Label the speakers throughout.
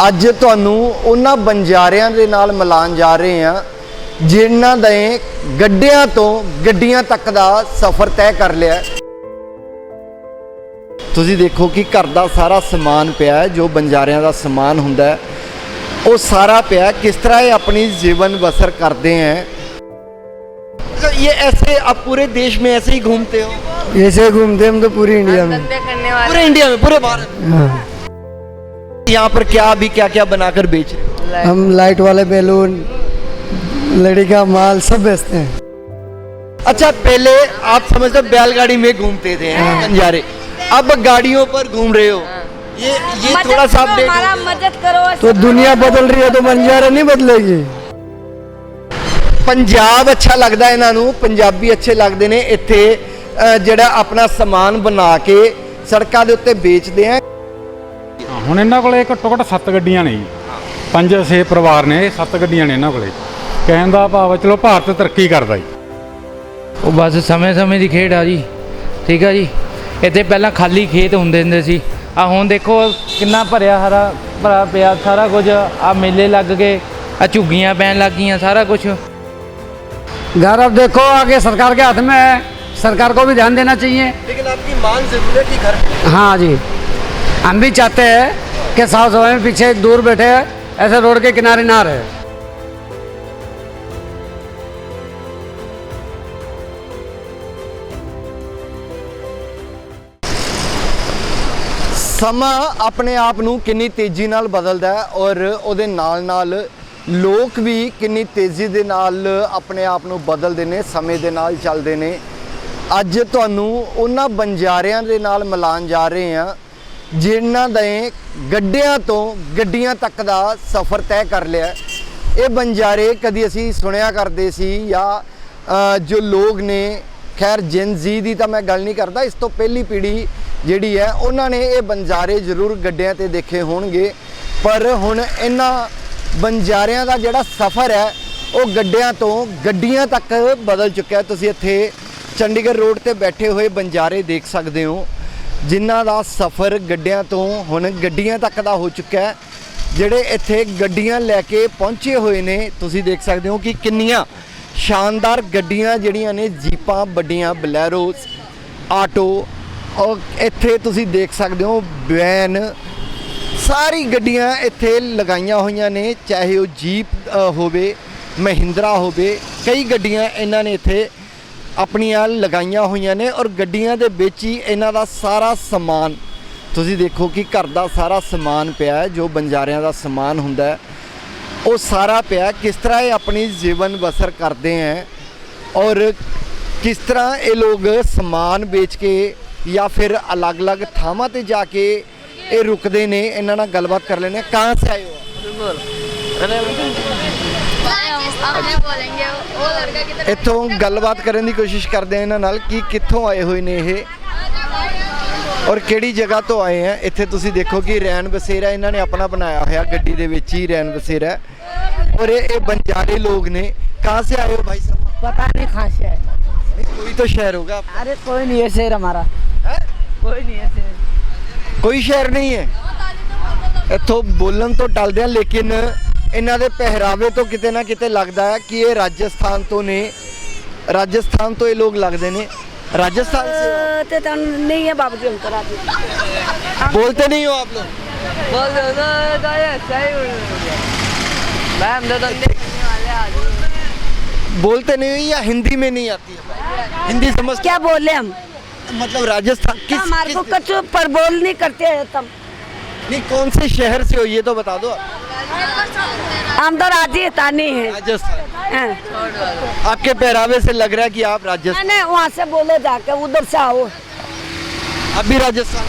Speaker 1: ਅੱਜ ਤੁਹਾਨੂੰ ਉਹਨਾਂ ਬੰਜਾਰਿਆਂ ਦੇ ਨਾਲ ਮਿਲਾਨ ਜਾ ਰਹੇ ਹਾਂ ਜਿਨ੍ਹਾਂ ਦੇ ਗੱਡਿਆਂ ਤੋਂ ਗੱਡੀਆਂ ਤੱਕ ਦਾ ਸਫ਼ਰ ਤੈਅ ਕਰ ਲਿਆ। ਤੁਸੀਂ ਦੇਖੋ ਕਿ ਘਰ ਦਾ ਸਾਰਾ ਸਮਾਨ ਪਿਆ ਹੈ, ਜੋ ਬੰਜਾਰਿਆਂ ਦਾ ਸਮਾਨ ਹੁੰਦਾ ਹੈ वो सारा पिया। किस तरह ये अपनी जीवन बसर करते हैं? ये ऐसे आप पूरे देश में ऐसे ही घूमते हो?
Speaker 2: ऐसे घूमते हम तो पूरी इंडिया में,
Speaker 1: पूरे इंडिया में, पूरे भारत में। यहाँ पर क्या अभी क्या क्या बनाकर बेच रहे हो?
Speaker 2: हम लाइट वाले बैलून, लड़ी का माल सब बेचते हैं।
Speaker 1: अच्छा, पहले आप समझते बैलगाड़ी में घूमते थे बंजारे, अब गाड़ियों पर घूम रहे हो। ये थोड़ा सा
Speaker 3: हमारा मदद करो।
Speaker 2: तो दुनिया बदल रही है तो बंजारा नहीं बदलेगी।
Speaker 1: पंजाब अच्छा लगता है इन्हां नूं, पंजाबी अच्छे लगते हैं। इत्थे जिहड़ा अपना समान बना के सड़कों के उत्ते बेचते हैं।
Speaker 4: ਹੁਣ ਇਹਨਾਂ ਕੋਲੇ ਘੱਟੋ ਘੱਟ 7 ਗੱਡੀਆਂ ਨੇ ਜੀ, 5-6 ਪਰਿਵਾਰ ਨੇ, 7 ਗੱਡੀਆਂ ਨੇ ਇਹਨਾਂ ਕੋਲੇ। ਕਹਿਣ ਦਾ ਭਾਵ ਚਲੋ ਭਾਰਤ ਤਰੱਕੀ ਕਰਦਾ ਜੀ।
Speaker 5: ਉਹ ਬਸ ਸਮੇਂ ਦੀ ਖੇਡ ਆ ਜੀ, ਠੀਕ ਆ ਜੀ। ਇੱਥੇ ਪਹਿਲਾਂ ਖਾਲੀ ਖੇਤ ਹੁੰਦੇ ਸੀ, ਆ ਹੁਣ ਦੇਖੋ ਕਿੰਨਾ ਭਰਿਆ ਹਰਾ ਭਰਾ ਪਿਆ ਸਾਰਾ ਕੁਝ। ਆ ਮੇਲੇ ਲੱਗ ਗਏ, ਆ ਝੁੱਗੀਆਂ ਪੈਣ ਲੱਗ ਗਈਆਂ, सारा कुछ।
Speaker 2: घर अब देखो आगे सरकार के हाथ में है, सरकार को भी ध्यान देना चाहिए।
Speaker 1: लेकिन आपकी मांग जरूर है कि घर।
Speaker 2: हाँ जी, हम भी चाहते हैं कि साफ सफाई में पीछे दूर बैठे ऐसे रोड के किनारे ना रहे।
Speaker 1: ਸਮਾਂ ਆਪਣੇ ਆਪ ਨੂੰ ਕਿੰਨੀ ਤੇਜ਼ੀ ਨਾਲ ਬਦਲਦਾ ਹੈ ਔਰ ਉਹਦੇ ਨਾਲ ਲੋਕ ਵੀ ਕਿੰਨੀ ਤੇਜ਼ੀ ਦੇ ਨਾਲ ਆਪਣੇ ਆਪ ਨੂੰ ਬਦਲਦੇ ਨੇ, ਸਮੇਂ ਦੇ ਨਾਲ ਚੱਲਦੇ ਨੇ। ਅੱਜ ਤੁਹਾਨੂੰ ਉਹਨਾਂ ਬੰਜਾਰਿਆਂ ਦੇ ਨਾਲ ਮਿਲਾਨ ਜਾ ਰਹੇ ਹਾਂ ਜਿਨ੍ਹਾਂ ਦੇ ਗੱਡਿਆਂ ਤੋਂ ਗੱਡੀਆਂ ਤੱਕ ਦਾ ਸਫ਼ਰ ਤੈਅ ਕਰ ਲਿਆ। ਇਹ ਬੰਜਾਰੇ ਕਦੀ ਅਸੀਂ ਸੁਣਿਆ ਕਰਦੇ ਸੀ ਜਾਂ ਜੋ ਲੋਕ ਨੇ, ਖੈਰ ਜਨ ਜ਼ੀ ਦੀ ਤਾਂ ਮੈਂ ਗੱਲ ਨਹੀਂ ਕਰਦਾ, ਇਸ ਤੋਂ ਪਹਿਲੀ ਪੀੜ੍ਹੀ ਜਿਹੜੀ ਹੈ ਉਹਨਾਂ ਨੇ ਇਹ ਬੰਜਾਰੇ ਜ਼ਰੂਰ ਗੱਡਿਆਂ ਤੇ ਦੇਖੇ ਹੋਣਗੇ। ਪਰ ਹੁਣ ਇਹਨਾਂ ਬੰਜਾਰਿਆਂ ਦਾ ਜਿਹੜਾ ਸਫ਼ਰ ਹੈ ਉਹ ਗੱਡਿਆਂ ਤੋਂ ਗੱਡੀਆਂ ਤੱਕ ਬਦਲ ਚੁੱਕਿਆ। ਤੁਸੀਂ ਇੱਥੇ ਚੰਡੀਗੜ੍ਹ ਰੋਡ ਤੇ ਬੈਠੇ ਹੋਏ ਬੰਜਾਰੇ ਦੇਖ ਸਕਦੇ ਹੋ ਜਿਨ੍ਹਾਂ ਦਾ ਸਫ਼ਰ ਗੱਡਿਆਂ ਤੋਂ ਹੁਣ ਗੱਡੀਆਂ ਤੱਕ ਦਾ ਹੋ ਚੁੱਕਾ ਹੈ। ਜਿਹੜੇ ਇੱਥੇ ਗੱਡੀਆਂ ਲੈ ਕੇ ਪਹੁੰਚੇ ਹੋਏ ਨੇ, ਤੁਸੀਂ ਦੇਖ ਸਕਦੇ ਹੋ ਕਿ ਕਿੰਨੀਆਂ ਸ਼ਾਨਦਾਰ ਗੱਡੀਆਂ ਜਿਹੜੀਆਂ ਨੇ, ਜੀਪਾਂ ਵੱਡੀਆਂ, ਬਲੈਰੋਸ, ਆਟੋ, और इत्थे तुसी देख सकते हो वैन, सारी गड्डियां इत्थे लगाइया हुई ने, चाहे वो जीप होवे, महिंद्रा होवे, कई गड्डियां इन्हां ने इत्थे अपनियां लगाइया हुई ने। और गड्डियां दे विच ही इन्हां दा सारा समान तुसी देखो कि घर दा सारा समान पिया है, जो बंजारियां दा समान हुंदा है वो सारा पिया। किस तरह ये अपनी जीवन बसर करते हैं और किस तरह ये लोग समान बेच के या फिर अलग अलग थावां ते जाके ये रुकते ने। इन्हां नाल गलबात कर लेने। कहाँ से आए हो? इत्थों गलबात करने की कोशिश करते हैं इन्हां नाल कि कित्थों आए हुए ने ये और किहड़ी जगह तो आए हैं। इत्थे तुसी देखो कि रैन बसेरा इन्हां ने अपना बनाया होया, गड्डी दे विच ही रैन बसेरा। और ये बंजारे लोग ने। कहाँ से आए हो भाई साहब?
Speaker 3: पता नहीं कहाँ से आए।
Speaker 1: कोई तो शहर होगा।
Speaker 3: अरे कोई नहीं है शहर हमारा, कोई नहीं है शहर,
Speaker 1: कोई शहर नहीं है। इत्थों बोलन तो टलदे हैं, लेकिन इन्हां दे पहरावे तो किते ना किते लगदा है कि ये राजस्थान तो ने। राजस्थान तो ये लोग लगदे ने। राजस्थान से
Speaker 3: तो नहीं है बाबू जी, हम तो राजस्थान।
Speaker 1: बोलते नहीं हो आप लोग? बोलते नहीं हो या हिंदी में नहीं आती है? हिंदी समझ
Speaker 3: क्या बोले हम?
Speaker 1: मतलब राजस्थान किस
Speaker 3: हमारे को कुछ पर बोल नहीं करते हैं तब।
Speaker 1: नहीं, कौन से शहर से हो ये तो बता दो।
Speaker 3: हम तो राजस्थानी है।
Speaker 1: राजस्थान। आपके पहरावे से लग रहा है कि आप राजस्थान।
Speaker 3: नहीं, वहाँ से बोले जाके उधर से आओ।
Speaker 1: आप भी राजस्थान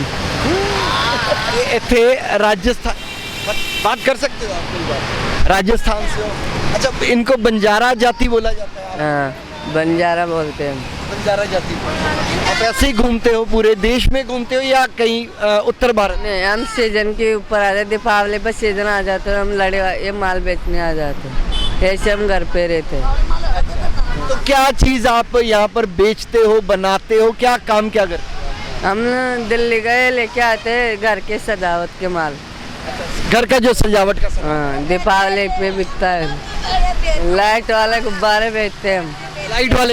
Speaker 1: से? इत्थे राजस्थान बात कर सकते हो आप? राजस्थान से हो? अच्छा, इनको बंजारा जाति बोला जाता है?
Speaker 6: हाँ, बंजारा बोलते हैं।
Speaker 1: बंजारा जाति। आप ऐसे ही घूमते हो, पूरे देश में घूमते हो या कहीं उत्तर भारत?
Speaker 6: नहीं, हम सीजन के ऊपर आ जाते, दीपावली पर सीजन आ जाते हैं, हम लड़े ये माल बेचने आ जाते हैं, ऐसे हम घर पे रहते हैं।
Speaker 1: तो क्या चीज़ आप यहाँ पर बेचते हो, बनाते हो, क्या काम क्या करते हो?
Speaker 6: हम दिल्ली गए लेके आते हैं घर के सजावट के माल।
Speaker 1: घर का जो सजावट का सामान,
Speaker 6: हाँ दीपावली पे बिकता है। लाइट वाले गुब्बारे बेचते हैं हम।
Speaker 1: लाइट वाले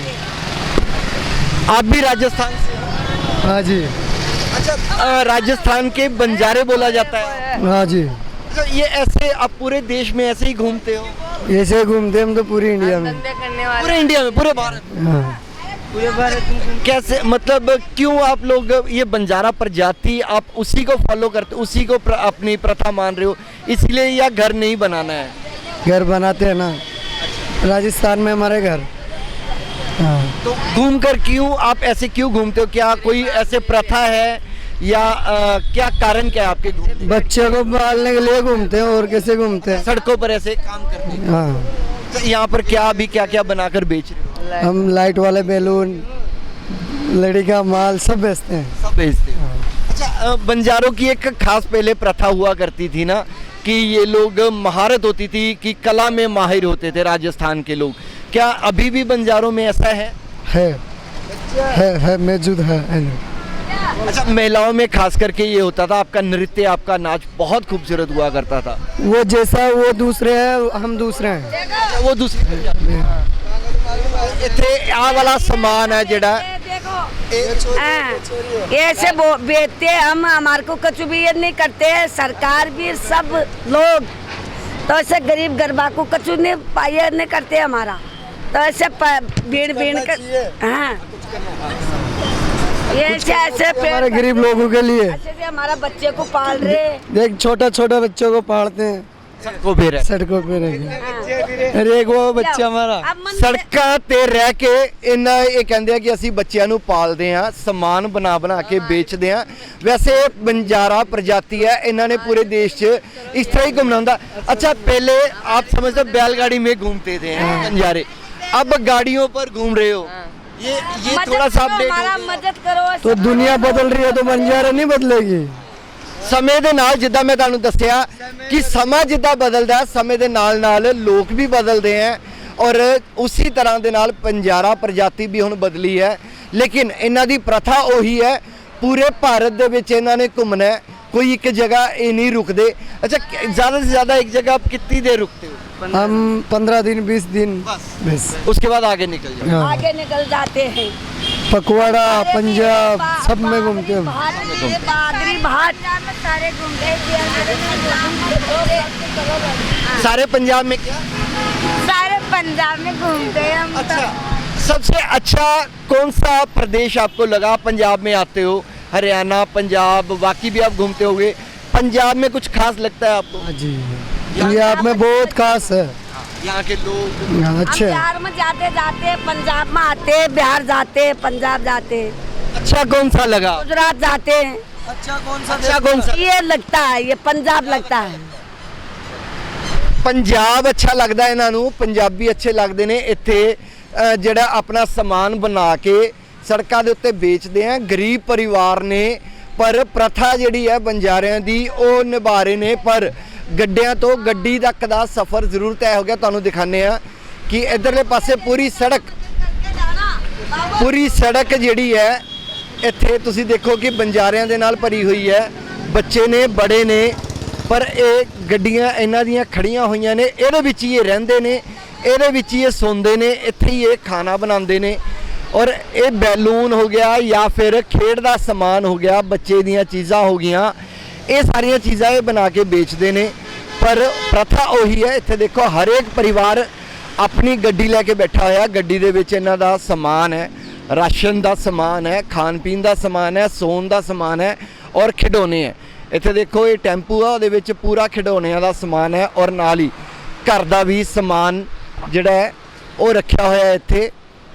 Speaker 1: आप भी राजस्थान से?
Speaker 2: हाँ जी,
Speaker 1: अच्छा, राजस्थान के बंजारे बोला जाता है।
Speaker 2: हाँ जी,
Speaker 1: अच्छा, ये ऐसे आप पूरे देश में ऐसे ही घूमते हो?
Speaker 2: ऐसे घूमते हम तो पूरी इंडिया में।
Speaker 6: धंधे करने वाले
Speaker 1: पूरे इंडिया में, पूरे भारत में?
Speaker 2: हाँ।
Speaker 6: पूरे भारत में।
Speaker 1: कैसे, मतलब क्यों आप लोग ये बंजारा प्रजाति आप उसी को फॉलो करते, उसी को अपनी प्रथा मान रहे हो इसलिए, या घर नहीं बनाना है?
Speaker 2: घर बनाते हैं ना, राजस्थान में हमारे घर। हाँ।
Speaker 1: तो घूम कर क्यों आप ऐसे क्यों घूमते हो? क्या कोई ऐसे प्रथा है या क्या कारण क्या है आपके घूमने?
Speaker 2: बच्चे को पालने के लिए घूमते हैं, और कैसे घूमते हैं।
Speaker 1: सड़कों पर ऐसे काम करते हैं?
Speaker 2: हाँ,
Speaker 1: तो यहाँ पर क्या अभी क्या क्या बनाकर बेच रहे हो?
Speaker 2: हम लाइट वाले बैलून, लड़ी का माल सब बेचते हैं।
Speaker 1: सब बेचते हो? अच्छा, बंजारों की एक खास पहले प्रथा हुआ करती थी ना कि ये लोग महारत होती थी कि कला में माहिर होते थे राजस्थान के लोग। क्या अभी भी बंजारों में ऐसा है?
Speaker 2: है मौजूद है।
Speaker 1: अच्छा, महिलाओं में खास करके ये होता था, आपका नृत्य, आपका नाच बहुत खूबसूरत हुआ करता था।
Speaker 2: वो जैसा वो दूसरे हैं, हम दूसरे हैं।
Speaker 1: वो दूसरी इतने आ वाला सामान है जेड़ा
Speaker 3: ऐसे बेचते हम, हमारे को कुछ भी ये नहीं करते, सरकार भी सब लोग तो ऐसे गरीब गरबा को कुछ नहीं पाए नहीं करते हमारा, तो ऐसे भीड़ कर हाँ ये ऐसे
Speaker 2: हमारे गरीब लोगों के लिए
Speaker 3: ऐसे से हमारा बच्चे को पाल रहे।
Speaker 2: देख, छोटा छोटा बच्चों को पालते हैं,
Speaker 1: सड़कों पे रह
Speaker 2: सड़कों पे रह। अरे एक वो बच्चा हमारा
Speaker 1: ਸੜਕਾਂ ਤੇ ਰਹਿ ਕੇ ਇਹਨਾਂ ਇਹ ਕਹਿੰਦੇ ਆ ਕਿ ਅਸੀਂ ਬੱਚਿਆਂ ਨੂੰ ਪਾਲਦੇ ਆ, ਸਮਾਨ ਬਣਾ ਕੇ ਵੇਚਦੇ ਆ। ਵੈਸੇ बंजारा प्रजाति है, इन्होंने पूरे देश च इस तरह ही घूमना होता। अच्छा, पहले आप समझते बैलगाड़ी में घूमते थे बंजारे, अब गाड़ियों पर घूम रहे हो, ये थोड़ा सा अपडेट
Speaker 3: हमारा मदद करो।
Speaker 2: तो दुनिया बदल रही है तो बंजारा नहीं बदलेगी।
Speaker 1: ਸਮੇਂ ਦੇ ਨਾਲ, ਜਿੱਦਾਂ ਮੈਂ ਤੁਹਾਨੂੰ ਦੱਸਿਆ ਕਿ ਸਮਾਂ ਜਿੱਦਾਂ ਬਦਲਦਾ, ਸਮੇਂ ਦੇ ਨਾਲ ਨਾਲ ਲੋਕ ਵੀ ਬਦਲਦੇ ਹੈ ਔਰ ਉਸੇ ਤਰ੍ਹਾਂ ਦੇ ਨਾਲ ਬੰਜਾਰਾ ਪ੍ਰਜਾਤੀ ਵੀ ਹੁਣ ਬਦਲੀ ਹੈ, ਲੇਕਿਨ ਇਹਨਾਂ ਦੀ ਪ੍ਰਥਾ ਉਹੀ ਹੈ। ਪੂਰੇ ਭਾਰਤ ਦੇ ਵਿੱਚ ਇਹਨਾਂ ਨੇ ਘੁੰਮਣਾ ਹੈ, कोई एक जगह ये नहीं रुकते। अच्छा, ज़्यादा से ज़्यादा एक जगह आप कितनी देर रुकते हो?
Speaker 2: हम 15 दिन 20 दिन बस।
Speaker 1: उसके बाद आगे निकल जाओ।
Speaker 2: हाँ।
Speaker 3: आगे निकल जाते हैं,
Speaker 2: पकवाड़ा, पंजाब सब में घूमते हैं।
Speaker 3: बादरी भाट सारे घूमते
Speaker 1: सारे पंजाब में क्या?
Speaker 3: सारे पंजाब में घूमते हैं हम।
Speaker 1: अच्छा, सबसे अच्छा कौन सा प्रदेश आपको लगा? पंजाब में आते हो, हरियाणा, पंजाब, बाकी भी आप घूमते होंगे, पंजाब में कुछ खास लगता है आपको?
Speaker 2: हाँ जी, पंजाब में बहुत खास है,
Speaker 1: यहाँ के लोग
Speaker 2: अच्छे हैं।
Speaker 3: बिहार में जाते जाते पंजाब में आते, बिहार जाते, पंजाब जाते,
Speaker 1: अच्छा कौन सा लगा?
Speaker 3: गुजरात जाते हैं।
Speaker 1: अच्छा कौन सा?
Speaker 3: ये लगता है, ये पंजाब लगता है।
Speaker 1: पंजाब अच्छा लगता है इन्हों, पंजाबी अच्छे लगते ने। इत्थे ਜਿਹੜਾ ਆਪਣਾ ਸਮਾਨ ਬਣਾ ਕੇ ਸੜਕਾਂ ਦੇ ਉੱਤੇ ਵੇਚਦੇ ਆ, ਗਰੀਬ ਪਰਿਵਾਰ ਨੇ, ਪਰ ਪ੍ਰਥਾ ਜਿਹੜੀ ਹੈ ਬੰਜਾਰਿਆਂ ਦੀ ਉਹ ਨਿਭਾ ਰਹੇ ਨੇ। ਪਰ ਗੱਡਿਆਂ ਤੋਂ ਗੱਡੀ ਤੱਕ ਦਾ ਸਫ਼ਰ ਜ਼ਰੂਰ ਤੈਅ ਹੋ ਗਿਆ। ਤੁਹਾਨੂੰ ਦਿਖਾਉਂਦੇ ਆ ਕਿ ਇਧਰਲੇ ਪਾਸੇ ਪੂਰੀ ਸੜਕ ਜਿਹੜੀ ਹੈ ਇੱਥੇ ਤੁਸੀਂ ਦੇਖੋ ਕਿ ਬੰਜਾਰਿਆਂ ਦੇ ਨਾਲ ਭਰੀ ਹੋਈ ਹੈ। ਬੱਚੇ ਨੇ, ਬੜੇ ਨੇ, ਪਰ ਇਹ ਗੱਡੀਆਂ ਇਹਨਾਂ ਦੀਆਂ ਖੜੀਆਂ ਹੋਈਆਂ ਨੇ, ਇਹਦੇ ਵਿੱਚ ਹੀ ਇਹ ਰਹਿੰਦੇ ਨੇ, ਇਹਦੇ ਵਿੱਚ ਹੀ ਇਹ ਸੌਂਦੇ ਨੇ, ਇੱਥੇ ਹੀ ਇਹ ਖਾਣਾ ਬਣਾਉਂਦੇ ਨੇ। ਔਰ ਇਹ ਬੈਲੂਨ ਹੋ ਗਿਆ ਜਾਂ ਫਿਰ ਖੇਡ ਦਾ ਸਮਾਨ ਹੋ ਗਿਆ, ਬੱਚੇ ਦੀਆਂ ਚੀਜ਼ਾਂ ਹੋ ਗਈਆਂ, ਇਹ ਸਾਰੀਆਂ ਚੀਜ਼ਾਂ ਇਹ ਬਣਾ ਕੇ ਵੇਚਦੇ ਨੇ। ਪਰ ਪ੍ਰਥਾ ਉਹੀ ਹੈ। ਇੱਥੇ ਦੇਖੋ ਹਰੇਕ ਪਰਿਵਾਰ ਆਪਣੀ ਗੱਡੀ ਲੈ ਕੇ ਬੈਠਾ ਹੋਇਆ, ਗੱਡੀ ਦੇ ਵਿੱਚ ਇਹਨਾਂ ਦਾ ਸਮਾਨ ਹੈ, ਰਾਸ਼ਨ ਦਾ ਸਮਾਨ ਹੈ, ਖਾਣ ਪੀਣ ਦਾ ਸਮਾਨ ਹੈ, ਸੌਣ ਦਾ ਸਮਾਨ ਹੈ ਔਰ ਖਿਡੌਣੇ ਹੈ। ਇੱਥੇ ਦੇਖੋ ਇਹ ਟੈਂਪੂ ਆ, ਉਹਦੇ ਵਿੱਚ ਪੂਰਾ ਖਿਡੌਣਿਆਂ ਦਾ ਸਮਾਨ ਹੈ ਔਰ ਨਾਲ ਹੀ ਘਰ ਦਾ ਵੀ ਸਮਾਨ ਜਿਹੜਾ ਹੈ ਉਹ ਰੱਖਿਆ ਹੋਇਆ ਇੱਥੇ।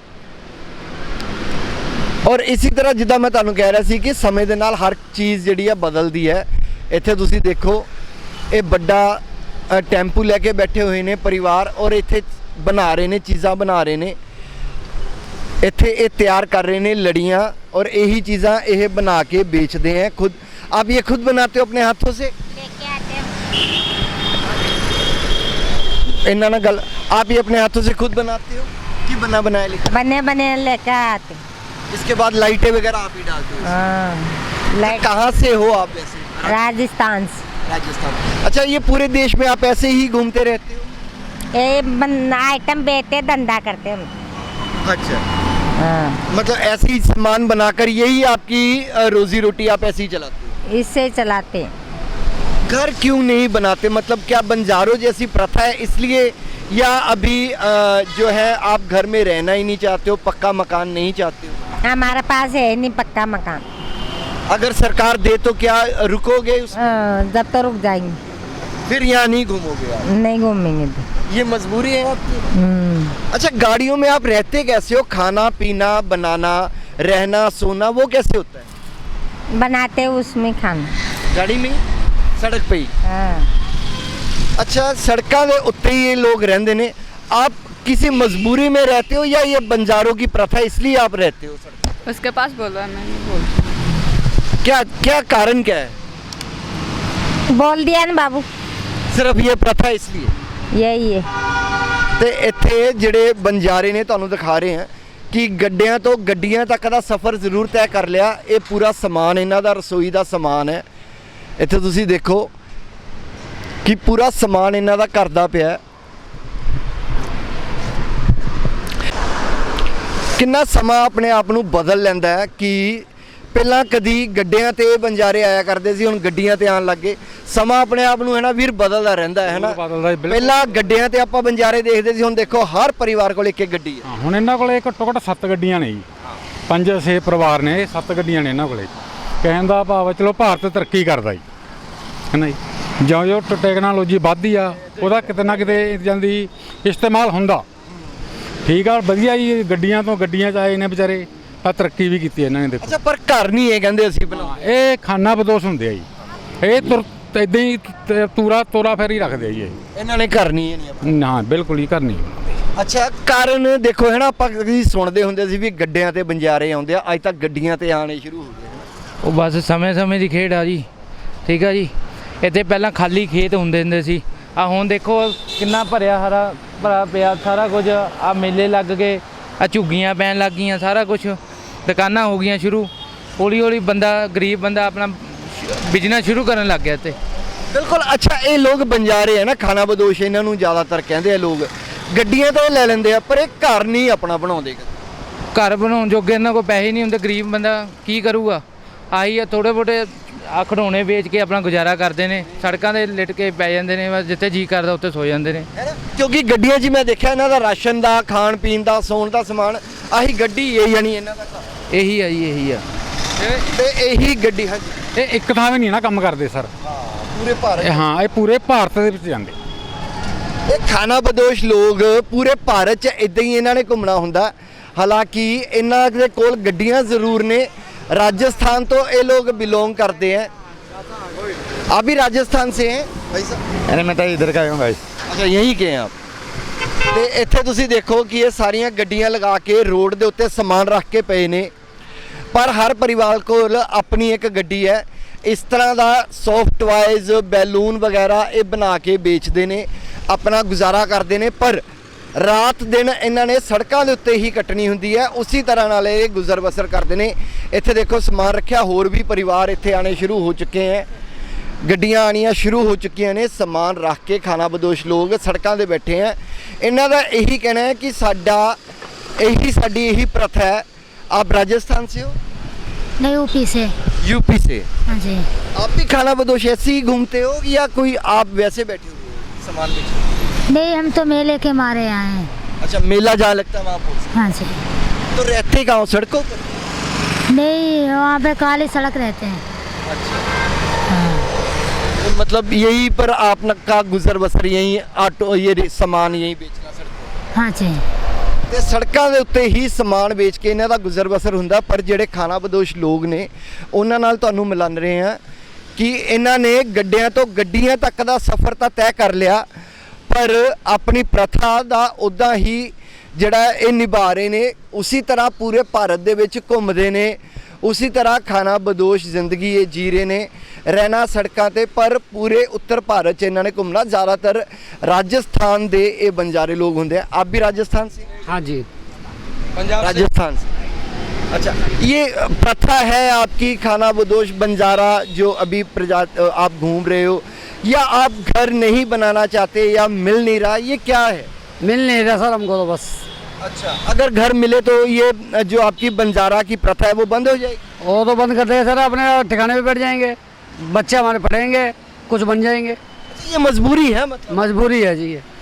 Speaker 1: ਔਰ ਇਸੇ ਤਰ੍ਹਾਂ ਜਿੱਦਾਂ ਮੈਂ ਤੁਹਾਨੂੰ ਕਹਿ ਰਿਹਾ ਸੀ ਕਿ ਸਮੇਂ ਦੇ ਨਾਲ ਹਰ ਚੀਜ਼ ਜਿਹੜੀ ਹੈ ਬਦਲਦੀ ਹੈ। ਇੱਥੇ ਤੁਸੀਂ ਦੇਖੋ ਇਹ ਵੱਡਾ ਟੈਂਪੂ ਲੈ ਕੇ ਬੈਠੇ ਹੋਏ ਨੇ ਪਰਿਵਾਰ ਔਰ ਇੱਥੇ ਬਣਾ ਰਹੇ ਨੇ, ਚੀਜ਼ਾਂ ਬਣਾ ਰਹੇ ਨੇ। ਇੱਥੇ ਇਹ ਤਿਆਰ ਕਰ ਰਹੇ ਨੇ ਲੜੀਆਂ ਔਰ ਇਹੀ ਚੀਜ਼ਾਂ ਇਹ ਬਣਾ ਕੇ बेचते हैं खुद। आप ये खुद बनाते हो अपने हाथों से? इन्ना ना गल, आप ये अपने हाथों से खुद बनाते हो कि बना बनाया लिखा?
Speaker 7: बने बने लेकर आते।
Speaker 1: इसके बाद लाइटें वगैरह आप ही डालते हो?
Speaker 7: हाँ, लाइट
Speaker 1: कहाँ से हो आप वैसे?
Speaker 7: राजस्थान से।
Speaker 1: राजस्थान। अच्छा, ये पूरे देश में आप ऐसे ही घूमते रहते हो?
Speaker 7: ये आइटम बेचते धंधा करते हम।
Speaker 1: अच्छा,
Speaker 7: हाँ,
Speaker 1: मतलब ऐसे ही सामान बनाकर यही आपकी रोजी रोटी आप ऐसे ही चलाते
Speaker 7: इससे चलाते हैं।
Speaker 1: हो? घर क्यों नहीं बनाते? मतलब क्या बंजारों जैसी प्रथा है इसलिए, या अभी जो है आप घर में रहना ही नहीं चाहते हो, पक्का मकान नहीं चाहते हो?
Speaker 7: हमारे पास है नहीं पक्का मकान।
Speaker 1: अगर सरकार दे तो क्या रुकोगे
Speaker 7: जब तक रुक जाएंगे,
Speaker 1: फिर यहाँ नहीं घूमोगे आप?
Speaker 7: नहीं घूमेंगे तो।
Speaker 1: ये मजबूरी है आपकी? अच्छा, गाड़ियों में आप रहते कैसे हो? खाना पीना बनाना रहना सोना वो कैसे होता है?
Speaker 7: बनाते उसमें खाना।
Speaker 1: गाड़ी में, सड़क पे ही?
Speaker 7: हाँ,
Speaker 1: अच्छा, सड़कों के उत्ते ही ये लोग रहते ने, आप किसी मजबूरी में रहते हो या ये बंजारों की प्रथा इसलिए आप रहते हो सड़क पे?
Speaker 6: उसके पास बोलो, मैं नहीं बोलती।
Speaker 1: क्या क्या कारण क्या है?
Speaker 7: बोल दिया ना बाबू,
Speaker 1: सिर्फ ये प्रथा इसलिए?
Speaker 7: यही है।
Speaker 1: ਤੇ ਇੱਥੇ ਜਿਹੜੇ ਬੰਜਾਰੇ ਨੇ ਤੁਹਾਨੂੰ ਦਿਖਾ ਰਹੇ ਹਾਂ ਕਿ ਗੱਡਿਆਂ ਤੋਂ ਗੱਡੀਆਂ ਤੱਕ ਦਾ ਸਫ਼ਰ ਜ਼ਰੂਰ ਤੈਅ ਕਰ ਲਿਆ। ਇਹ ਪੂਰਾ ਸਮਾਨ ਇਹਨਾਂ ਦਾ ਰਸੋਈ ਦਾ ਸਮਾਨ ਹੈ। ਇੱਥੇ ਤੁਸੀਂ ਦੇਖੋ ਕਿ ਪੂਰਾ ਸਮਾਨ ਇਹਨਾਂ ਦਾ ਘਰ ਦਾ ਪਿਆ। ਕਿੰਨਾ ਸਮਾਂ ਆਪਣੇ ਆਪ ਨੂੰ ਬਦਲ ਲੈਂਦਾ ਹੈ ਕਿ ਪਹਿਲਾਂ ਕਦੀ ਗੱਡਿਆਂ ਤੇ ਬੰਜਾਰੇ ਆਇਆ ਕਰਦੇ ਸੀ, ਹੁਣ ਗੱਡੀਆਂ ਤੇ ਆਉਣ ਲੱਗੇ। ਸਮਾਂ ਆਪਣੇ ਆਪ ਨੂੰ ਹੈ ਨਾ ਵੀਰ ਬਦਲਦਾ ਰਹਿੰਦਾ ਹੈ ਨਾ।
Speaker 4: ਬਦਲਦਾ ਜੀ, ਬਿਲਕੁਲ।
Speaker 1: ਪਹਿਲਾਂ ਗੱਡਿਆਂ ਤੇ ਆਪਾਂ ਬੰਜਾਰੇ ਦੇਖਦੇ ਸੀ, ਹੁਣ ਦੇਖੋ ਹਰ ਪਰਿਵਾਰ ਕੋਲ ਇੱਕ ਇੱਕ ਗੱਡੀ ਹੈ।
Speaker 4: ਹਾਂ, ਹੁਣ ਇਹਨਾਂ ਕੋਲੇ ਘੱਟੋ ਘੱਟ 7 ਗੱਡੀਆਂ ਨੇ ਜੀ। 5-6 ਪਰਿਵਾਰ ਨੇ, 7 ਗੱਡੀਆਂ ਨੇ ਇਹਨਾਂ ਕੋਲੇ। ਕਹਿਣ ਦਾ ਭਾਵ ਹੈ ਚਲੋ ਭਾਰਤ ਤਰੱਕੀ ਕਰਦਾ ਜੀ, ਹੈ ਨਾ ਜੀ। ਜਿਉਂ-ਜਿਉਂ ਟੈਕਨੋਲੋਜੀ ਵੱਧਦੀ ਆ ਉਹਦਾ ਕਿਤੇ ਨਾ ਕਿਤੇ ਜਾਂਦੀ ਇਸਤੇਮਾਲ ਹੁੰਦਾ। ਠੀਕ ਆ, ਵਧੀਆ ਜੀ। ਗੱਡੀਆਂ ਤੋਂ ਗੱਡੀਆਂ 'ਚ ਆਏ ਨੇ ਵਿਚਾਰੇ, ਆ ਤਰੱਕੀ ਵੀ ਕੀਤੀ ਇਹਨਾਂ ਨੇ ਦੇਖੋ।
Speaker 1: ਅੱਛਾ, ਪਰ ਘਰ ਨਹੀਂ ਇਹ ਕਹਿੰਦੇ ਅਸੀਂ ਬਣਾ।
Speaker 4: ਇਹ ਖਾਨਾ ਬਦੋਸ਼ ਹੁੰਦੇ ਆ ਜੀ। ਇਹ ਇਦਾਂ ਹੀ ਤੋਰਾ ਫੇਰ ਹੀ ਰੱਖਦੇ ਆ ਜੀ ਇਹ।
Speaker 1: ਇਹਨਾਂ ਨੇ ਘਰ ਨਹੀਂ ਇਹ ਨਹੀਂ ਆਪਣਾ।
Speaker 4: ਨਾ, ਬਿਲਕੁਲ ਹੀ ਕਰਨੀ।
Speaker 1: ਅੱਛਾ, ਕਾਰਨ ਦੇਖੋ ਹੈ ਨਾ, ਆਪਾਂ ਕਦੀ ਸੁਣਦੇ ਹੁੰਦੇ ਸੀ ਵੀ ਗੱਡਿਆਂ ਤੇ ਬੰਜਾਰੇ ਆਉਂਦੇ ਆ, ਅੱਜ ਤੱਕ ਗੱਡੀਆਂ ਤੇ ਆਣੇ ਸ਼ੁਰੂ ਹੋ ਗਏ।
Speaker 5: ਉਹ ਬਸ ਸਮੇਂ ਦੀ ਖੇਡ ਆ ਜੀ। ਠੀਕ ਆ ਜੀ, ਇੱਥੇ ਪਹਿਲਾਂ ਖਾਲੀ ਖੇਤ ਹੁੰਦੇ ਸੀ, ਆ ਹੁਣ ਦੇਖੋ ਕਿੰਨਾ ਹਰਾ ਭਰਾ ਪਿਆ ਸਾਰਾ ਕੁਝ। ਆ ਮੇਲੇ ਲੱਗ ਗਏ, ਆ ਝੁੱਗੀਆਂ ਪੈਣ ਲੱਗ ਗਈਆਂ, ਸਾਰਾ ਕੁਝ ਦੁਕਾਨਾਂ ਹੋ ਗਈਆਂ ਸ਼ੁਰੂ। ਹੌਲੀ ਹੌਲੀ ਬੰਦਾ, ਗਰੀਬ ਬੰਦਾ ਆਪਣਾ ਬਿਜ਼ਨਸ ਸ਼ੁਰੂ ਕਰਨ ਲੱਗ ਗਿਆ ਇੱਥੇ।
Speaker 1: ਬਿਲਕੁਲ। ਅੱਛਾ, ਇਹ ਲੋਕ ਬੰਜਾਰੇ ਹੈ ਨਾ, ਖਾਨਾ ਬਦੋਸ਼ ਇਹਨਾਂ ਨੂੰ ਜ਼ਿਆਦਾਤਰ ਕਹਿੰਦੇ ਆ ਲੋਕ। ਗੱਡੀਆਂ ਤਾਂ ਇਹ ਲੈ ਲੈਂਦੇ ਆ, ਪਰ ਇਹ ਘਰ ਨਹੀਂ ਆਪਣਾ ਬਣਾਉਂਦੇ।
Speaker 5: ਘਰ ਬਣਾਉਣ ਜੋਗੇ ਇਹਨਾਂ ਕੋਲ ਪੈਸੇ ਨਹੀਂ ਹੁੰਦੇ, ਗਰੀਬ ਬੰਦਾ ਕੀ ਕਰੂਗਾ? ਆਹੀ ਆ, ਥੋੜ੍ਹੇ ਬਹੁਤੇ ਆ ਖਿਡੌਣੇ ਵੇਚ ਕੇ ਆਪਣਾ ਗੁਜ਼ਾਰਾ ਕਰਦੇ ਨੇ, ਸੜਕਾਂ 'ਤੇ ਲਿਟ ਕੇ ਪੈ ਜਾਂਦੇ ਨੇ, ਬਸ ਜਿੱਥੇ ਜੀ ਕਰਦਾ ਉੱਥੇ ਸੋ ਜਾਂਦੇ ਨੇ।
Speaker 1: ਕਿਉਂਕਿ ਗੱਡੀਆਂ 'ਚ ਮੈਂ ਦੇਖਿਆ ਇਹਨਾਂ ਦਾ ਰਾਸ਼ਨ ਦਾ, ਖਾਣ ਪੀਣ ਦਾ, ਸੌਣ ਦਾ ਸਮਾਨ ਆਹੀ ਗੱਡੀ ਹੈ, ਯਾਨੀ ਇਹਨਾਂ ਦਾ ਘਰ।
Speaker 5: ਇਹੀ ਆ ਜੀ, ਇਹੀ ਆ।
Speaker 1: ਤੇ ਇਹੀ ਗੱਡੀ। ਹਾਂਜੀ,
Speaker 4: ਇਹ ਇੱਕ ਥਾਂ ਵੀ ਨਹੀਂ ਨਾ ਕੰਮ ਕਰਦੇ ਸਰ।
Speaker 1: ਪੂਰੇ ਭਾਰਤ।
Speaker 4: ਹਾਂ, ਇਹ ਪੂਰੇ ਭਾਰਤ ਦੇ ਵਿੱਚ ਜਾਂਦੇ।
Speaker 1: ਇਹ ਖਾਨਾ ਬਦੋਸ਼ ਲੋਕ ਪੂਰੇ ਭਾਰਤ 'ਚ ਇਦਾਂ ਹੀ ਇਹਨਾਂ ਨੇ ਘੁੰਮਣਾ ਹੁੰਦਾ। ਹਾਲਾਂਕਿ ਇਹਨਾਂ ਦੇ ਕੋਲ ਗੱਡੀਆਂ ਜ਼ਰੂਰ ਨੇ। राजस्थान तो ये लोग बिलोंग करते हैं। आप भी राजस्थान से हैं भाई साहब?
Speaker 8: अरे मैं तो इधर का हूँ भाई।
Speaker 1: अच्छा, यहीं के हैं आप? ਤੇ ਇੱਥੇ ਤੁਸੀਂ ਦੇਖੋ ਕਿ ਇਹ ਸਾਰੀਆਂ ਗੱਡੀਆਂ ਲਗਾ ਕੇ ਰੋਡ ਦੇ ਉੱਤੇ ਸਮਾਨ ਰੱਖ ਕੇ ਪਏ ਨੇ, ਪਰ ਹਰ ਪਰਿਵਾਰ ਕੋਲ ਆਪਣੀ ਇੱਕ ਗੱਡੀ ਹੈ। ਇਸ ਤਰ੍ਹਾਂ ਦਾ ਸੌਫਟ ਟੁਆਇਜ਼, ਬੈਲੂਨ ਵਗੈਰਾ ਇਹ ਬਣਾ ਕੇ ਵੇਚਦੇ ਨੇ, ਆਪਣਾ ਗੁਜ਼ਾਰਾ ਕਰਦੇ ਨੇ। ਪਰ ਰਾਤ ਦਿਨ ਇਹਨਾਂ ਨੇ ਸੜਕਾਂ ਦੇ ਉੱਤੇ ਹੀ ਕੱਟਣੀ ਹੁੰਦੀ ਹੈ, ਉਸੇ ਤਰ੍ਹਾਂ ਨਾਲ ਇਹ ਗੁਜ਼ਰ ਬਸਰ ਕਰਦੇ ਨੇ। ਇੱਥੇ ਦੇਖੋ ਸਮਾਨ ਰੱਖਿਆ, ਹੋਰ ਵੀ ਪਰਿਵਾਰ ਇੱਥੇ ਆਣੇ ਸ਼ੁਰੂ ਹੋ ਚੁੱਕੇ ਹੈ, ਗੱਡੀਆਂ ਆਣੀਆਂ ਸ਼ੁਰੂ ਹੋ ਚੁੱਕੀਆਂ ਨੇ। ਸਮਾਨ ਰੱਖ ਕੇ ਖਾਨਾ ਬਦੋਸ਼ ਲੋਕ ਸੜਕਾਂ 'ਤੇ ਬੈਠੇ ਹੈ। ਇਹਨਾਂ ਦਾ ਇਹੀ ਕਹਿਣਾ ਹੈ ਕਿ ਸਾਡੀ ਇਹੀ प्रथा है। आप राजस्थान से हो?
Speaker 7: नहीं यूपी से।
Speaker 1: यूपी से?
Speaker 7: हाँ जी।
Speaker 1: आप भी खाना बदोश ऐसे ही घूमते हो या कोई आप वैसे बैठे हुए हो सामान बेचने?
Speaker 7: नहीं, हम तो मेले के मारे आए हैं।
Speaker 1: अच्छा, मेला जहाँ लगता है वहाँ पहुँचते?
Speaker 7: हाँ जी।
Speaker 1: तो रहते कहाँ हो? सड़कों पर?
Speaker 7: नहीं, वहाँ पे काली सड़क रहते हैं।
Speaker 1: तो मतलब यहीं पर आपका गुजर बसर यहीं, ऑटो ये सामान यहीं बेचना सड़कों?
Speaker 7: हाँ जी।
Speaker 1: ਤੇ ਸੜਕਾਂ ਦੇ ਉੱਤੇ ਹੀ ਸਮਾਨ ਵੇਚ ਕੇ ਇਹਨਾਂ ਦਾ ਗੁਜ਼ਰ ਬਸਰ ਹੁੰਦਾ। ਪਰ ਜਿਹੜੇ ਖਾਨਾ ਬਦੋਸ਼ ਲੋਕ ਨੇ ਉਹਨਾਂ ਨਾਲ ਤੁਹਾਨੂੰ ਮਿਲਨ ਰਹੇ ਆ ਕਿ ਇਹਨਾਂ ਨੇ ਗੱਡਿਆਂ ਤੋਂ ਗੱਡੀਆਂ ਤੱਕ ਦਾ ਸਫ਼ਰ ਤਾਂ ਤੈਅ ਕਰ ਲਿਆ, ਪਰ ਆਪਣੀ ਪ੍ਰਥਾ ਦਾ ਉੱਦਾਂ ਹੀ ਜਿਹੜਾ ਇਹ ਨਿਭਾ ਰਹੇ ਨੇ। ਉਸੇ ਤਰ੍ਹਾਂ ਪੂਰੇ ਭਾਰਤ ਦੇ ਵਿੱਚ ਘੁੰਮਦੇ ਨੇ, ਉਸੇ ਤਰ੍ਹਾਂ ਖਾਨਾ ਬਦੋਸ਼ ਜ਼ਿੰਦਗੀ ਇਹ ਜੀ ਰਹੇ ਨੇ, ਰਹਿਣਾ ਸੜਕਾਂ ਤੇ। ਪਰ ਪੂਰੇ ਉੱਤਰ ਭਾਰਤ 'ਚ ਇਹਨਾਂ ਨੇ ਘੁੰਮਣਾ। ज़्यादातर राजस्थान ਦੇ ਇਹ ਬੰਜਾਰੇ लोग होंगे। आप भी राजस्थान से?
Speaker 2: हाँ जी,
Speaker 1: पंजाब राजस्थान से। अच्छा, ये प्रथा है आपकी खाना बदोश बंजारा जो अभी आप घूम रहे हो, या आप घर नहीं बनाना चाहते या मिल नहीं रहा, ये क्या है?
Speaker 2: मिल नहीं रहा सर हमको तो बस।
Speaker 1: अच्छा, अगर घर मिले तो ये जो आपकी बंजारा की प्रथा है वो बंद हो जाएगी?
Speaker 2: वो तो बंद कर देंगे सर, अपने ठिकाने पे बैठ जाएंगे, बच्चे हमारे पढ़ेंगे, कुछ बन जाएंगे।
Speaker 1: ये मजबूरी है, मतलब
Speaker 2: मजबूरी है जी ये।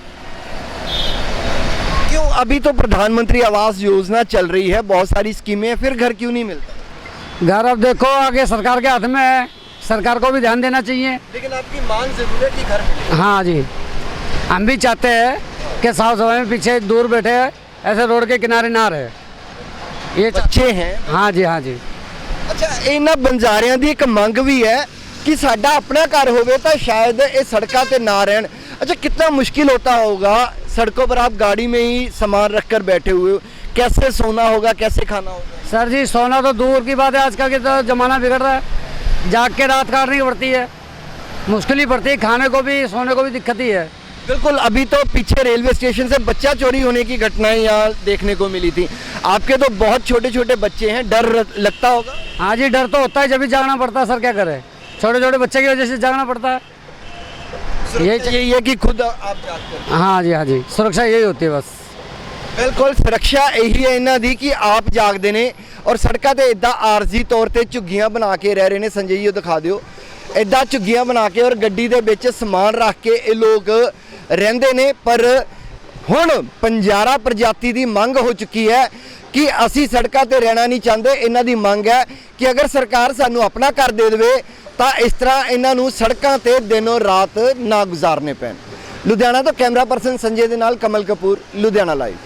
Speaker 1: क्यों? अभी तो प्रधानमंत्री आवास योजना चल रही है, बहुत सारी स्कीमें हैं, फिर घर क्यों नहीं मिलता?
Speaker 2: घर अब देखो आगे सरकार के हाथ में है, सरकार को भी ध्यान देना चाहिए।
Speaker 1: लेकिन आपकी मांग जरूर है कि घर मिले।
Speaker 2: हाँ जी, हम भी चाहते हैं कि साफ सफाई में पीछे दूर बैठे ऐसे रोड के किनारे ना रहे, ये
Speaker 1: बच्चे हैं।
Speaker 2: हाँ जी, हाँ जी।
Speaker 1: ਅੱਛਾ, ਇਹਨਾਂ ਬੰਜਾਰਿਆਂ ਦੀ ਇੱਕ ਮੰਗ ਵੀ ਹੈ कि साडा अपना घर होवे तो शायद ये सड़कों पे ना रहन। अच्छा, कितना मुश्किल होता होगा सड़कों पर, आप गाड़ी में ही सामान रख कर बैठे हुए हो, कैसे सोना होगा, कैसे खाना होगा?
Speaker 2: सर जी सोना तो दूर की बात है, आजकल के तो ज़माना बिगड़ रहा है, जाग के रात काटनी पड़ती है, मुश्किल ही पड़ती है, खाने को भी सोने को भी दिक्कत ही है।
Speaker 1: बिल्कुल, अभी तो पीछे रेलवे स्टेशन से बच्चा चोरी होने की घटनाएं यहाँ देखने को मिली थी। आपके तो बहुत छोटे छोटे बच्चे हैं, डर लगता होगा?
Speaker 2: हाँ जी, डर तो होता है, जब भी जागना पड़ता है सर, क्या करें, छोटे छोटे बच्चे की वजह से जागना पड़ता है।
Speaker 1: यही है कि खुद आप जागते हो?
Speaker 2: हाँ जी, हाँ जी, सुरक्षा यही होती है बस।
Speaker 1: ਬਿਲਕੁਲ, ਸੁਰੱਖਿਆ ਇਹੀ ਹੈ ਇਹਨਾਂ ਦੀ ਕਿ ਆਪ ਜਾਗਦੇ ਨੇ ਔਰ ਸੜਕਾਂ ਤੇ ਇਦਾਂ ਆਰਜ਼ੀ ਤੌਰ ਤੇ ਝੁੱਗੀਆਂ ਬਣਾ ਕੇ ਰਹਿ ਰਹੇ ਨੇ। ਸੰਜੇ ਜੀ ਉਹ ਦਿਖਾ ਦਿਓ, ਇਦਾਂ ਝੁੱਗੀਆਂ ਬਣਾ ਕੇ ਔਰ ਗੱਡੀ ਦੇ ਵਿੱਚ ਸਮਾਨ ਰੱਖ ਕੇ ਇਹ ਲੋਕ ਰਹਿੰਦੇ ਨੇ। ਪਰ ਹੁਣ ਬੰਜਾਰਾ ਪ੍ਰਜਾਤੀ ਦੀ ਮੰਗ ਹੋ ਚੁੱਕੀ ਹੈ ਕਿ ਅਸੀਂ ਸੜਕਾਂ ਤੇ ਰਹਿਣਾ ਨਹੀਂ ਚਾਹੁੰਦੇ। ਇਹਨਾਂ ਦੀ ਮੰਗ ਹੈ ਕਿ ਅਗਰ ਸਰਕਾਰ ਸਾਨੂੰ ਆਪਣਾ ਘਰ ਦੇ ਦੇਵੇ ਤਾਂ ਇਸ ਤਰ੍ਹਾਂ ਇਹਨਾਂ ਨੂੰ ਸੜਕਾਂ ਤੇ ਦਿਨੋਂ ਰਾਤ ਨਾ ਗੁਜ਼ਾਰਨੇ ਪੈਣ। ਲੁਧਿਆਣਾ ਤੋਂ ਕੈਮਰਾ ਪਰਸਨ ਸੰਜੇ ਦੇ ਨਾਲ ਕਮਲ ਕਪੂਰ, ਲੁਧਿਆਣਾ ਲਾਈਵ।